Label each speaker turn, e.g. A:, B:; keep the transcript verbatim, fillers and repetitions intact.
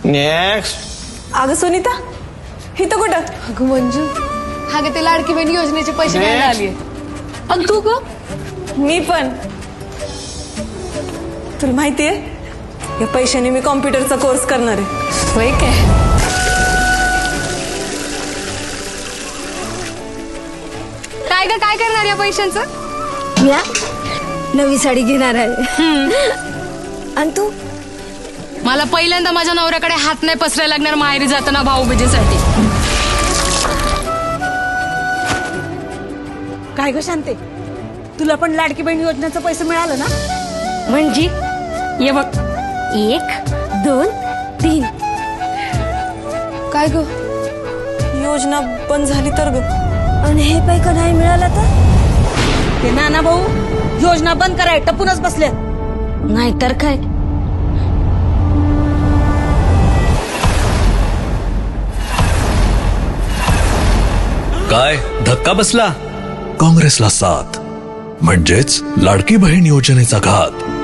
A: Next.
B: अगं सुनीता इथं कुठं?
C: अगं मंजू, हा गे ते लाडकी बहीण योजनेचे पैसे घ्यायला आलीये. आणि तू ग?
B: मी पण. तुला माहितीये या पैशाने मी कॉम्प्युटरचा कोर्स करणार आहे.
C: होय काय? काय ग काय करणार या पैशांचं?
D: या नवी साडी घेणार आहे. आणि तू?
C: मला पहिल्यांदा माझ्या नवऱ्याकडे हात नाही पसरायला लागणार माहेरी जाताना भाऊबीजेसाठी.
D: काय ग शांते, तुला पण लाडकी बहीण योजनेचं पैसे मिळालं ना?
C: म्हणजे ये बघ,
D: एक दोन तीन.
C: काय ग?
B: योजना बंद झाली तर ग.
D: आणि हे पैका नाही मिळालं तर? ते नाना भाऊ योजना बंद कराय टपूनच बसले. नाहीतर काय.
E: काय धक्का बसला? काँग्रेसला साथ म्हणजेच लाडकी बहीण योजनेचा घात.